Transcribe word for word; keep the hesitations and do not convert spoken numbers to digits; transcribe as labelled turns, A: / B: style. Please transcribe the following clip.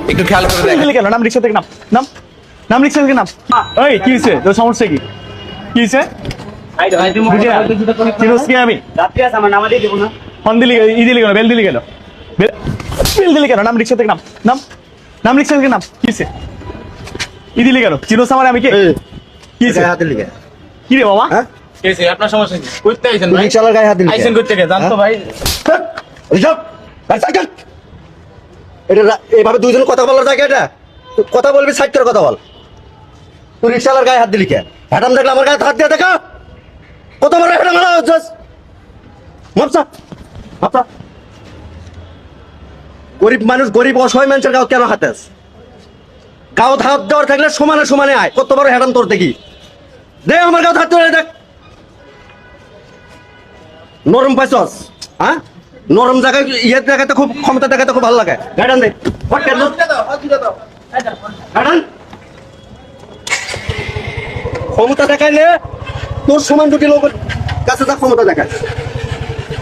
A: একটু খেয়াল করে দেখ।
B: কেন নাম রিক্সা থেকে নাম নাম নাম রিক্সা থেকে নাম। ওই কি হয়েছে তোর সমস্যা কি কি হয়েছে চিনোস কি আমি ফোন দিলি ই দিলি কেন বেল দিলি কেন বেল বেল দিলি কেন নাম রিক্সা থেকে নাম নাম নাম রিক্সা থেকে নাম কি হয়েছে ই দিলি কেন চিনোস আমার আমি কে কি হয়েছে কি রে বাবা
A: কেসে আপনার সমস্যা কি করতে আইছেন ভাই
C: রিকশালার গায়ে হাত দিলি
A: আইছেন করতে কে জান তো ভাই
C: রিজার্ভ সাইকেল এটা এইভাবে দুইজন কথা বলার জায়গা এটা তুই কথা বলবি সাইড করে কথা বল তুই রিকশালার গায়ে হাত দিলি কে হ্যাডাম দেখলে আমার গায়ে হাত দিয়ে দেখা কত বড় হ্যাডাম হলো জাস মাপসা মাপসা গরিব মানুষ গরিব অসহায় মানুষের গাও কেন হাতে আছে গাও হাত দেওয়ার থাকলে সমানে সমানে আয় কত বড় হ্যাডাম তোর দেখি দে আমার গাও হাত ধরে দেখ নরম পাইছস হ্যাঁ নরম জায়গায় ইয়ে দেখাতে খুব ক্ষমতা দেখাতে খুব ভালো লাগে গাড়ান দে গাড়ান ক্ষমতা দেখাইলে তোর সমান দুটি লোকের কাছে যা ক্ষমতা দেখায়